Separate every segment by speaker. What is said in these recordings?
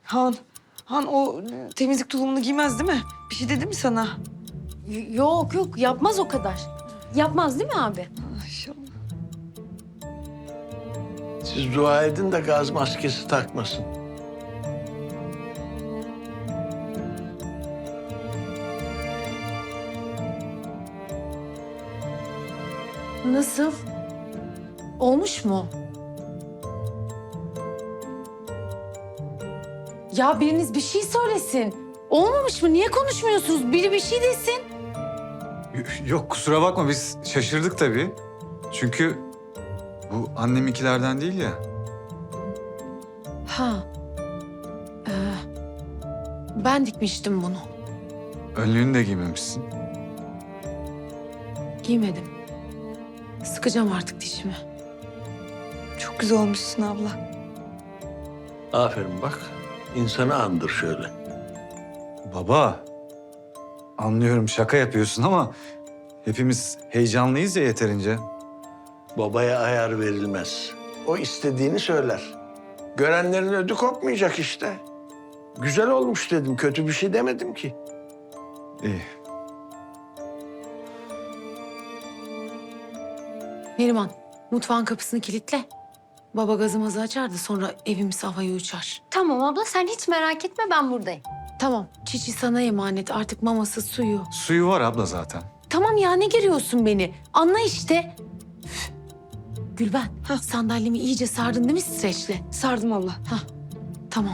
Speaker 1: Han, Han o temizlik tulumunu giymez değil mi? Bir şey dedi mi sana?
Speaker 2: Yok yok yapmaz o kadar. Yapmaz değil mi abi?
Speaker 1: İnşallah.
Speaker 3: Siz dua edin de gaz maskesi takmasın.
Speaker 2: Nasıl? Olmuş mu? Ya biriniz bir şey söylesin. Olmamış mı? Niye konuşmuyorsunuz? Biri bir şey desin.
Speaker 4: Yok kusura bakma biz şaşırdık tabii. Çünkü bu anneminkilerden değil ya.
Speaker 2: Ha. Ben dikmiştim bunu.
Speaker 4: Önlüğünü de giymemişsin.
Speaker 2: Giymedim. Sıkacağım artık dişimi.
Speaker 1: Çok güzel olmuşsun abla.
Speaker 3: Aferin bak. İnsanı andır şöyle.
Speaker 4: Baba, anlıyorum şaka yapıyorsun ama hepimiz heyecanlıyız ya yeterince.
Speaker 3: Babaya ayar verilmez. O istediğini söyler. Görenlerin ödü kopmayacak işte. Güzel olmuş dedim. Kötü bir şey demedim ki.
Speaker 4: İyi.
Speaker 2: Neriman, mutfağın kapısını kilitle. Baba gazımızı açar da sonra evimiz havaya uçar.
Speaker 5: Tamam abla sen hiç merak etme ben buradayım.
Speaker 2: Tamam, Çiçi sana emanet. Artık maması, suyu.
Speaker 4: Suyu var abla zaten.
Speaker 2: Tamam ya, ne giriyorsun beni? Anla işte. Üf. Gülben, sandalyemi iyice sardın değil mi streçle?
Speaker 1: Sardım abla.
Speaker 2: Tamam.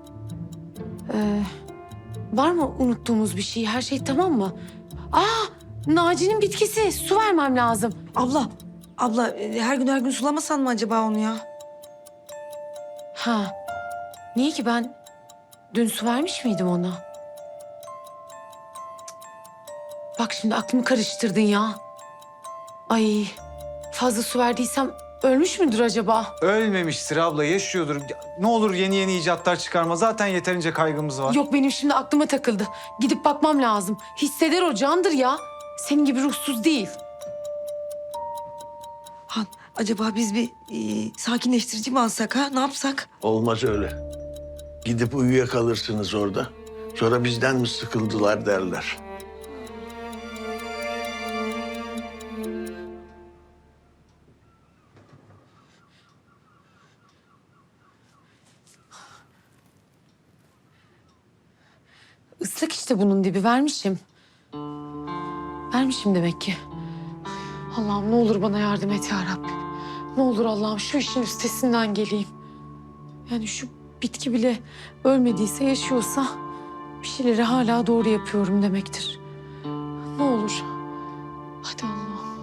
Speaker 2: Var mı unuttuğumuz bir şey? Her şey tamam mı? Naci'nin bitkisi. Su vermem lazım.
Speaker 1: Abla her gün sulamasan mı acaba onu ya?
Speaker 2: Ha. Niye ki ben dün su vermiş miydim ona? Bak şimdi aklımı karıştırdın ya. Ay fazla su verdiysem ölmüş müdür acaba?
Speaker 4: Ölmemiştir abla, yaşıyordur. Ne olur yeni yeni icatlar çıkarma. Zaten yeterince kaygımız var.
Speaker 2: Yok benim şimdi aklıma takıldı. Gidip bakmam lazım. Hisseder o candır ya. Senin gibi ruhsuz değil.
Speaker 1: Han, acaba biz bir sakinleştirici mi alsak ha? Ne yapsak?
Speaker 3: Olmaz öyle. Gidip uyuyakalırsınız orada. Sonra bizden mi sıkıldılar derler.
Speaker 2: Islak işte bunun dibi vermişim. Vermişim demek ki. Allah'ım ne olur bana yardım et ya Rabbim. Ne olur Allah'ım şu işin üstesinden geleyim. Yani şu bitki bile ölmediyse yaşıyorsa bir şeyleri hala doğru yapıyorum demektir. Ne olur. Hadi Allah'ım.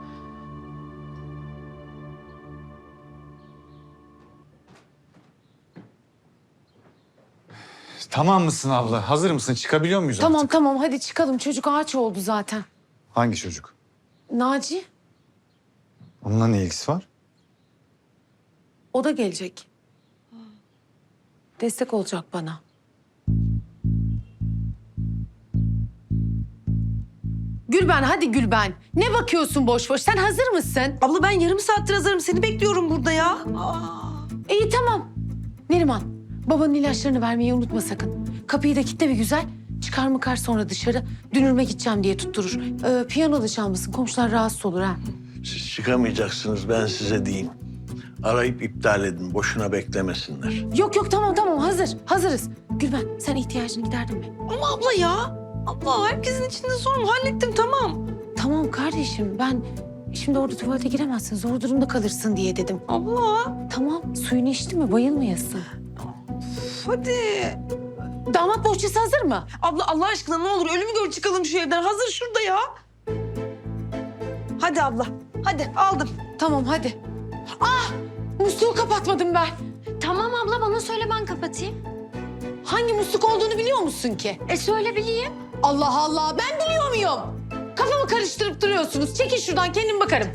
Speaker 4: Tamam mısın abla? Hazır mısın? Çıkabiliyor muyuz
Speaker 2: Tamam
Speaker 4: artık?
Speaker 2: tamam hadi çıkalım. Çocuk ağaç oldu zaten.
Speaker 4: Hangi çocuk?
Speaker 2: Naci
Speaker 4: Onunla ne ilgisi var?
Speaker 2: o da gelecek. Destek olacak bana. Gülben hadi Gülben. Ne bakıyorsun boş boş? Sen hazır mısın?
Speaker 1: Abla ben yarım saattir hazırım. Seni bekliyorum burada ya.
Speaker 2: İyi tamam. Neriman babanın ilaçlarını vermeyi unutma sakın. Kapıyı da kilitle bir güzel. Çıkar mıkar sonra dışarı. Dünürme gideceğim diye tutturur. Piyano da çalmasın. Komşular rahatsız olur ha.
Speaker 3: Siz çıkamayacaksınız ben size diyeyim. Arayıp iptal edin. Boşuna beklemesinler.
Speaker 2: Yok yok tamam tamam hazır. Hazırız. Gülben sen ihtiyacını giderdin mi?
Speaker 1: Ama abla ya. Abla herkesin içinde sorun. Hallettim tamam.
Speaker 2: Tamam kardeşim ben şimdi orada tuvalete giremezsin. Zor durumda kalırsın diye dedim.
Speaker 1: Abla.
Speaker 2: Tamam suyunu içtin mi bayılmayasın.
Speaker 1: Hadi.
Speaker 2: Damat bohçası hazır mı?
Speaker 1: Abla Allah aşkına ne olur ölümü gör çıkalım şu evden. Hazır şurada ya. Hadi abla. Hadi aldım.
Speaker 2: Tamam hadi. Musluğu kapatmadım ben.
Speaker 5: Tamam abla bana söyle ben kapatayım.
Speaker 2: Hangi musluk olduğunu biliyor musun ki?
Speaker 5: Söyle bileyim.
Speaker 2: Allah Allah ben biliyor muyum? Kafamı karıştırıp duruyorsunuz. Çekin şuradan kendim bakarım.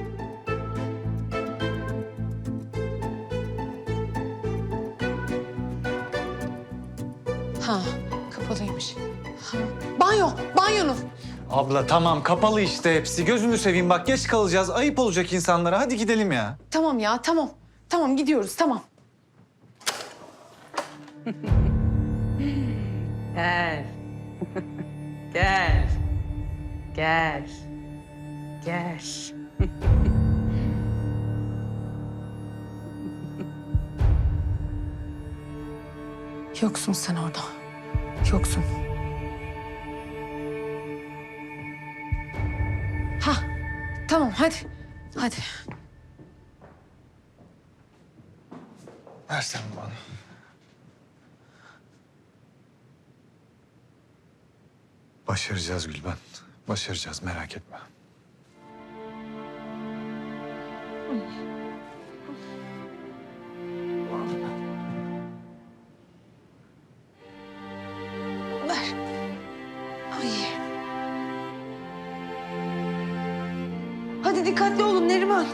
Speaker 2: Ha kapalıymış. Ha. Banyonun.
Speaker 4: Abla tamam kapalı işte hepsi. Gözünü seveyim bak geç kalacağız. Ayıp olacak insanlara. Hadi gidelim ya.
Speaker 2: Tamam ya tamam. Tamam gidiyoruz tamam.
Speaker 6: Gel. Gel. Gel. Gel.
Speaker 2: Yoksun sen orada. Yoksun. Ha, tamam hadi. Hadi.
Speaker 4: Versene bana. Başaracağız Gülben. Başaracağız, merak etme.
Speaker 1: Ver. Ay. Hadi dikkatli olun Neriman.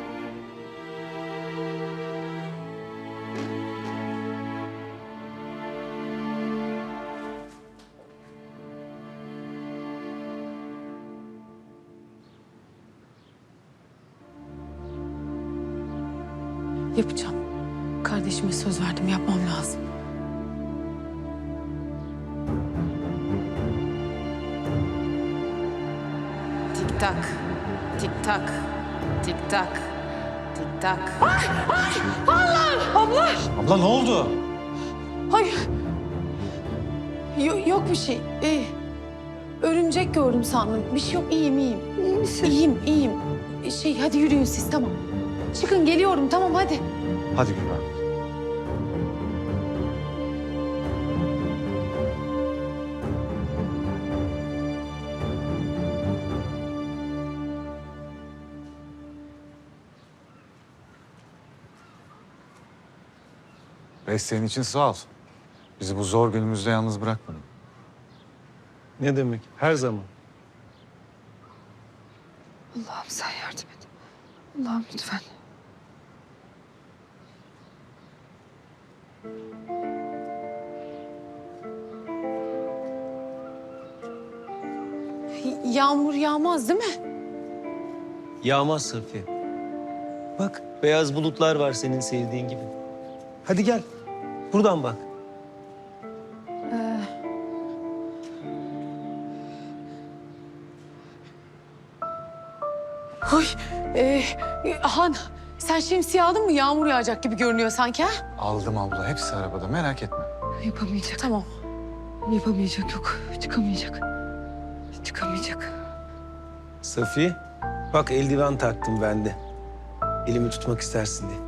Speaker 2: Yapacağım. Kardeşime söz verdim, yapmam lazım.
Speaker 6: Tik tak. Tik tak. Tik tak. Tik tak.
Speaker 4: Abla ne oldu?
Speaker 2: Hayır. Yok bir şey. Örümcek gördüm sandım. Bir şey yok, iyiyim.
Speaker 1: İyi misin?
Speaker 2: İyiyim. Hadi yürüyün siz, tamam. Çıkın, geliyorum, tamam hadi.
Speaker 4: Hadi Gülben. Desteğin için sağ ol. Bizi bu zor günümüzde yalnız bırakmadın.
Speaker 7: Ne demek? Her zaman.
Speaker 1: Allah'ım sen yardım et. Allah'ım lütfen.
Speaker 2: Yağmur yağmaz değil mi?
Speaker 7: Yağmaz Safiye. Bak beyaz bulutlar var senin sevdiğin gibi. Hadi gel. Buradan bak.
Speaker 2: Ay, Han, sen şemsiye aldın mı? Yağmur yağacak gibi görünüyor sanki, ha?
Speaker 4: Aldım abla, hepsi arabada, merak etme.
Speaker 1: Yapamayacak.
Speaker 2: Tamam.
Speaker 1: Yapamayacak, yok. Çıkamayacak. Çıkamayacak.
Speaker 7: Safiye, bak eldiven taktım ben de. Elimi tutmak istersin diye.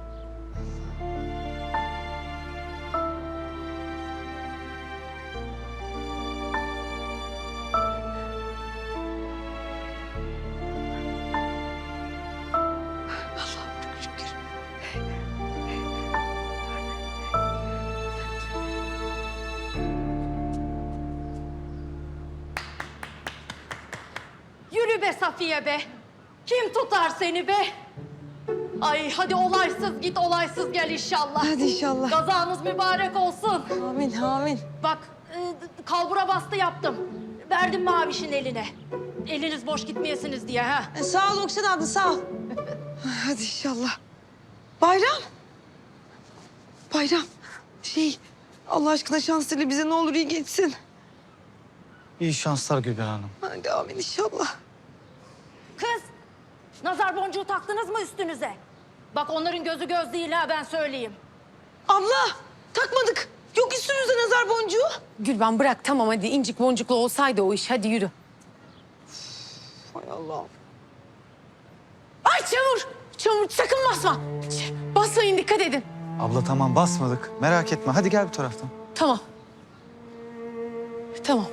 Speaker 1: Allah'ım çok şükür.
Speaker 8: Yürü be Safiye be. Kim tutar seni be? Ay hadi olaysız git olaysız gel inşallah.
Speaker 1: Hadi inşallah.
Speaker 8: Kazanız mübarek olsun.
Speaker 1: Amin, amin.
Speaker 8: Bak kalbura bastı yaptım. Verdim Maviş'in eline. Eliniz boş gitmeyesiniz diye ha.
Speaker 1: Sağ ol Okşan abla, sağ ol. Hadi inşallah. Bayram. Bayram. Allah aşkına şansıyla bize ne olur iyi geçsin.
Speaker 9: İyi şanslar Gülben Hanım.
Speaker 1: Hadi amin inşallah.
Speaker 8: Kız nazar boncuğu taktınız mı üstünüze? Bak onların gözü göz değil ha ben söyleyeyim.
Speaker 1: Abla takmadık. Yok üstümüzde nazar boncuğu.
Speaker 2: Gülben bırak, tamam hadi. İncik boncuklu olsaydı o iş. Hadi yürü.
Speaker 1: Hay Allah'ım.
Speaker 2: Ay çamur! Çamur, sakın basma. Basmayın, dikkat edin.
Speaker 9: Abla tamam basmadık. Merak etme. Hadi gel bu taraftan.
Speaker 2: Tamam. Tamam.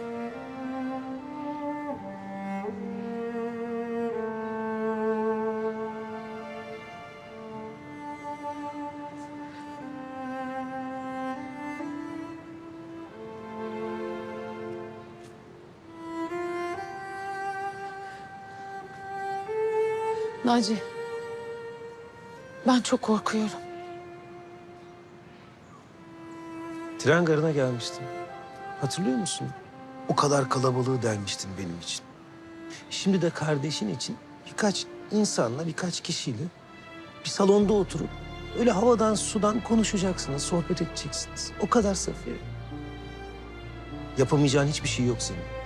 Speaker 2: Naci, ben çok korkuyorum.
Speaker 7: Tren garına gelmiştim. Hatırlıyor musun? O kadar kalabalığı delmiştin benim için. Şimdi de kardeşin için birkaç insanla, birkaç kişiyle bir salonda oturup Öyle havadan sudan konuşacaksınız, sohbet edeceksiniz. O kadar Safiye. Yapamayacağın hiçbir şey yok senin.